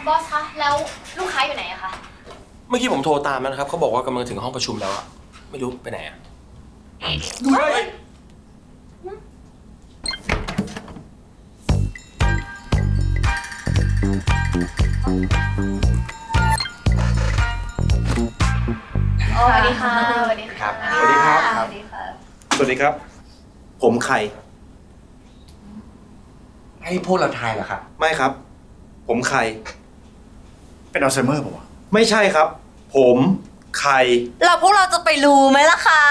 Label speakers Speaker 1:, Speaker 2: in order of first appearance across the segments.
Speaker 1: บอสคะแล้วลูกค้าอยู่ไหนอะคะ
Speaker 2: เมื่อกี้ผมโทรตามแล้วนะครับเขาบอกว่ากำลังถึงห้องประชุมแล้วอะไม่รู้ไปไหนอะ
Speaker 1: สวัสดีค่ะสวัสดีค่ะ
Speaker 3: สวัสดีครับ
Speaker 1: สวัสดีค่ะ
Speaker 3: สวัสดีครับ ผมไข่
Speaker 4: ให้พวกเราทายเหรอครับ
Speaker 3: ไม่ครับ ผมไข่
Speaker 4: เป็นอัลไซเมอร์ป่าวะ
Speaker 3: ไม่ใช่ครับ ผมไข่
Speaker 5: แล้วพวกเราจะไปรู้ไหมล่ะคะ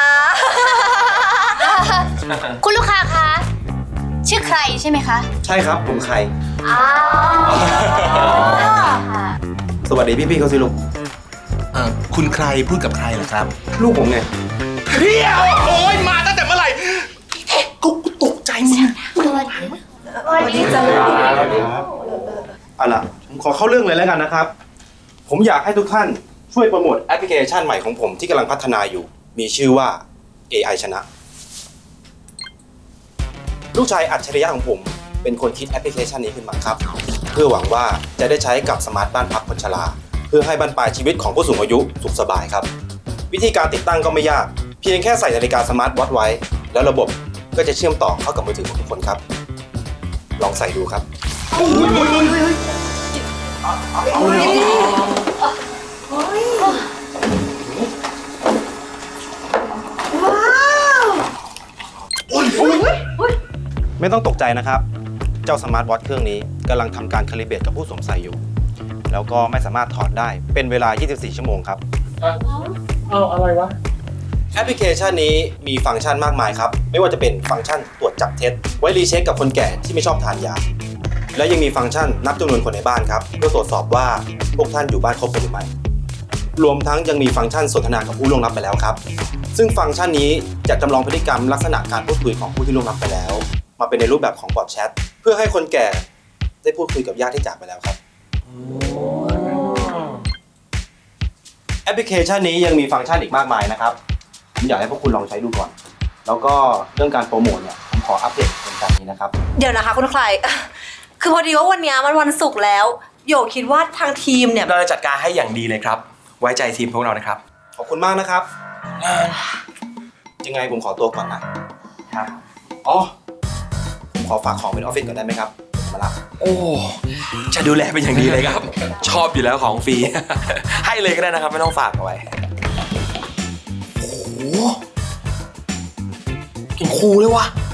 Speaker 1: คุณลูกค้าคะชื่อใครใช่ไหมคะ
Speaker 3: ใช่ครับ ผมไข่
Speaker 1: อ้าวค่ะ
Speaker 3: สวัสดีพี่ๆเขาสิลูก
Speaker 4: คุณใครพูดกับใครเหรอครับ
Speaker 3: ลูกผมไง
Speaker 4: เฮียโอ้ยมาตั้งแต่เมื่อไหร่กูตกใจมึง
Speaker 1: สวัสดีจ้า
Speaker 3: เอาล่ะผมขอเข้าเรื่องเลยแล้วกันนะครับ ผมอยากให้ทุกท่านช่วยโปรโมทแอปพลิเคชันใหม่ของผมที่กำลังพัฒนาอยู่ มีชื่อว่า AI ชนะ ลูกชายอัจฉริยะของผมเป็นคนคิดแอปพลิเคชันนี้ขึ้นมาครับ เพื่อหวังว่าจะได้ใช้กับสมาร์ทบ้านพักคนชราเพื่อให้บรรปลายชีวิตของผู้สูงอายุสุขสบายครับ วิธีการติดตั้งก็ไม่ยาก เพียงแค่ใส่นาฬิกาสมาร์ทวอทไว้ แล้วระบบก็จะเชื่อมต่อเข้ากับมือถือของทุกคนครับ ลองใส่ดูครับ ไม่ต้องตกใจนะครับ เจ้าสมาร์ทวอทเครื่องนี้กำลังทำการคาลิเบรตกับผู้สวมใส่อยู่ แล้วก็ไม่สามารถถอดได้เป็นเวลา 24 ชั่วโมงครับ
Speaker 2: เอาอะไรวะ
Speaker 3: แอปพลิเคชันนี้มีฟังก์ชันมากมายครับ ไม่ว่าจะเป็นฟังก์ชันตรวจจับเท็จ ไว้รีเช็คกับคนแก่ที่ไม่ชอบทานยา และยังมีฟังก์ชันนับจำนวนคนในบ้านครับ เพื่อตรวจสอบว่าพวกท่านอยู่บ้านครบกันหรือไม่ รวมทั้งยังมีฟังก์ชันสนทนากับผู้ล่วงลับไปแล้วครับ ซึ่งฟังก์ชันนี้จะจำลองพฤติกรรมลักษณะการพูดคุยของผู้ที่ล่วงลับไปแล้ว มาเป็นในรูปแบบของบอทแชทเพื่อให้คนแก่ได้พูดคุยกับญาติที่จากไปแล้วครับ แอปพลิเคชันนี้ยังมีฟังก์ชันอีกมากมายนะครับ ผมอยากให้พวกคุณลองใช้ดูก่อน แล้วก็เรื่องการโปรโมทเนี่ยผมขออัปเดตเป็นการนี้นะครับ
Speaker 5: เดี๋ยวนะคะคุณใคร คือพอดีว่าวันนี้มันวันศุกร์แล้ว โยคิดว่าทางทีมเนี่ย
Speaker 2: เราจะจัดการให้อย่างดีเลยครับ ไว้ใจทีมพวกเรานะครับ
Speaker 3: ขอบคุณมากนะครับ ยังไงผมขอตัวก่อนนะอ๋อผมขอฝากของเป็นออฟฟิศก่อนได้ไหมครับมารับ
Speaker 2: โอ้จะดูแลเป็นอย่างดีเลยครับ ชอบอยู่แล้วของฟรี ให้เลยก็ได้นะครับไม่ต้องฝากเอาไว้โอ้โหกินคูเลยวะ